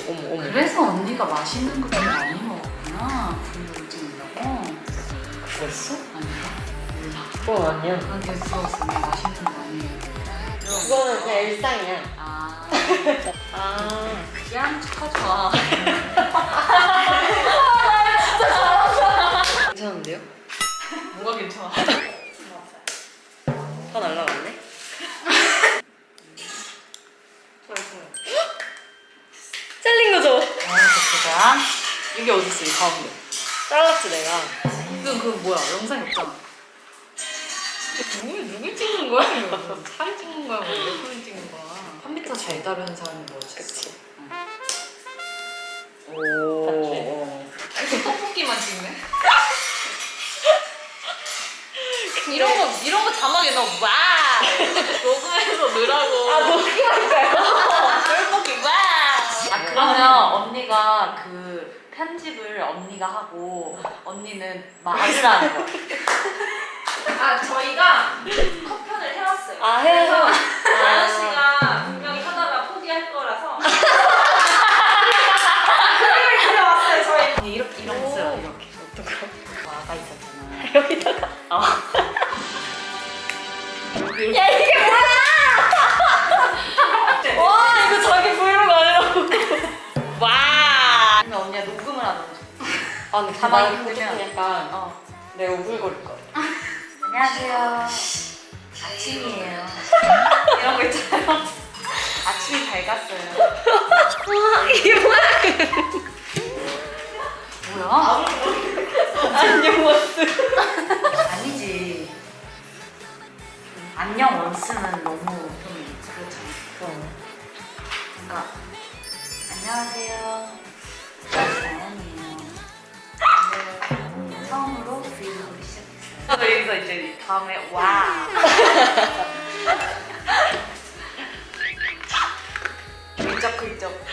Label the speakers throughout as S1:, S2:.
S1: 어머.
S2: 그래서 언니가 맛있는 거 좀 많이 먹었구나. 브이로그 찍는다고.
S1: 그랬어?
S2: 아닌가? 몰라.
S1: 그건 아니야.
S2: 그런 게 들었어. 언니 맛있는 거 많이.
S1: 그거는 그냥 일상이야.
S2: 아.
S1: 아.
S2: 그냥 축하줘.
S1: 괜찮은데요?
S2: 뭐가 괜찮아?
S1: 다 날라갔네? 잘린 거죠?
S2: 아, 이게 어딨어, 이 가운데.
S1: 잘랐지 내가.
S2: 이건 그 뭐야, 영상이 없잖아. 누굴 찍는 거야? 이거 사진 찍는 거야, 뭐 예쁘게 찍는 거야. 컴퓨터 잘 다루는 사람이 뭐지?
S1: 그치.
S2: 오. 이렇게 떡볶이만 찍네? 이런 거 자막에 넣어. 와! 녹음해서 넣으라고.
S1: 아 녹음할까요?
S2: 떡볶이 와! 아, 그러면 언니가 그 편집을 언니가 하고 언니는 말을 하는 거야. 아, 저희가 컷편을 해왔어요.
S1: 아 해서.
S2: 다현 씨가 분명히 하다가 포기할 거라서. 그림을 그려왔어요, 저희. 이런 거 써요, 이렇게.
S1: 어떤 거?
S2: 와가 있었잖아.
S1: 여기다가.
S2: 야, 이게
S1: 와 이거 자기 브이로그 아니라고.
S2: 와! 근데 언니가 녹음을 하는 거죠.
S1: 아 근데
S2: 가만히
S1: 가만히
S2: 있으면
S1: 있으면 약간
S2: 어.
S1: 내가 우글거릴 것 같아.
S2: 안녕하세요. 아침이에요. 이런 거 있잖아요. 아침이 밝았어요.
S1: 이게 뭐야?
S2: 뭐야?
S1: 안녕 원스.
S2: 아니지. 안녕 원스는 너무 좀 그렇잖아. 그러니까 안녕하세요. 나연이에요. 오늘 처음으로 브이로그를 시작했어요. 저도 여기서 이제 다음에 와. 긁적.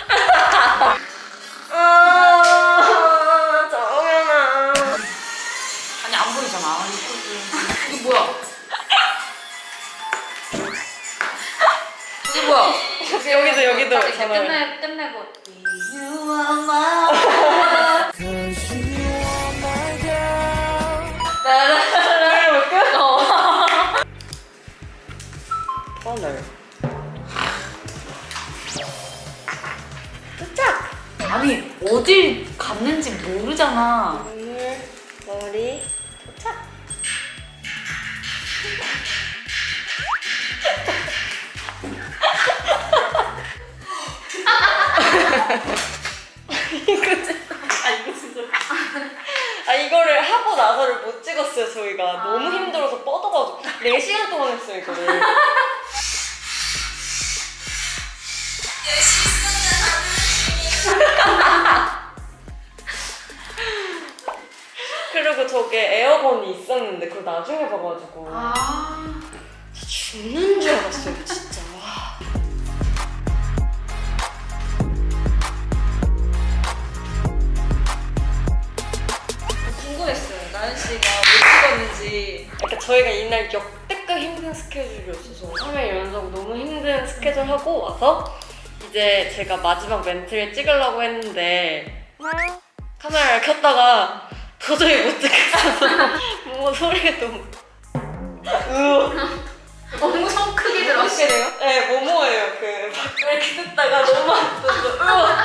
S1: 정연아.
S2: 아니 안 보이잖아. 이거 뭐야? 이게 뭐야?
S1: 여기도
S2: 이제
S1: 전화를.
S2: 끝내고 You are my
S1: 나를 볼게요. 오늘. 도착.
S2: 아니 어딜 갔는지 모르잖아.
S1: 오늘 머리 도착. 이거 진짜. 아 이거를 하고 나서를 못 찍었어요 저희가. 너무 힘들어서 뻗어가지고 4시간 동안 했어요 이거를. 그리고 저게 에어건이 있었는데 그걸 나중에 봐가지고 죽는 줄 알았어요 진짜. 와.
S2: 궁금했어요. 나연 씨가 왜 찍었는지.
S1: 그러니까 저희가 이날 역대급 힘든 스케줄이었어서 3일 연속 너무 힘든 스케줄 하고 와서 이제 제가 마지막 멘트를 찍으려고 했는데 카메라를 켰다가 도저히 못 찍겠어서 뭔가 소리가 너무
S2: 엄청 크게 들었어.
S1: 네, 모모예요. 그 이렇게 듣다가 너무 아파서